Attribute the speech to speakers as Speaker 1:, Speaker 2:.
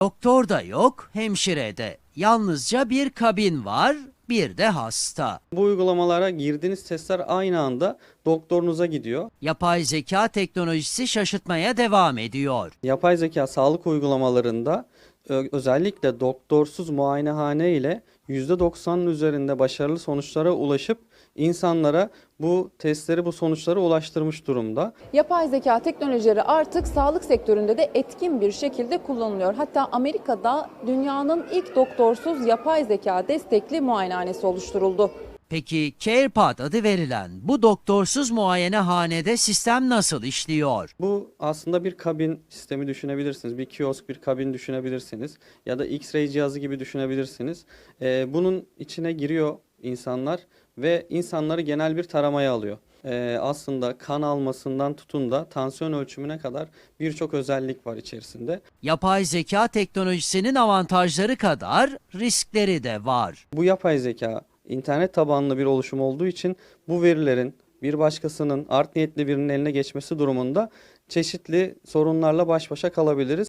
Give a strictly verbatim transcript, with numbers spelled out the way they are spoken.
Speaker 1: Doktor da yok, hemşire de. Yalnızca bir kabin var, bir de hasta.
Speaker 2: Bu uygulamalara girdiğiniz testler aynı anda doktorunuza gidiyor.
Speaker 1: Yapay zeka teknolojisi şaşırtmaya devam ediyor.
Speaker 2: Yapay zeka sağlık uygulamalarında ö- özellikle doktorsuz muayenehane ile yüzde doksanın üzerinde başarılı sonuçlara ulaşıp insanlara bu testleri, bu sonuçları ulaştırmış durumda.
Speaker 3: Yapay zeka teknolojileri artık sağlık sektöründe de etkin bir şekilde kullanılıyor. Hatta Amerika'da dünyanın ilk doktorsuz yapay zeka destekli muayenehanesi oluşturuldu.
Speaker 1: Peki CarePod adı verilen bu doktorsuz muayenehanede sistem nasıl işliyor?
Speaker 2: Bu aslında bir kabin sistemi düşünebilirsiniz. Bir kiosk, bir kabin düşünebilirsiniz. Ya da X-ray cihazı gibi düşünebilirsiniz. Ee, bunun içine giriyor insanlar ve insanları genel bir taramaya alıyor. Ee, aslında kan almasından tutun da tansiyon ölçümüne kadar birçok özellik var içerisinde.
Speaker 1: Yapay zeka teknolojisinin avantajları kadar riskleri de var.
Speaker 2: Bu yapay zeka internet tabanlı bir oluşum olduğu için bu verilerin bir başkasının art niyetli birinin eline geçmesi durumunda çeşitli sorunlarla baş başa kalabiliriz.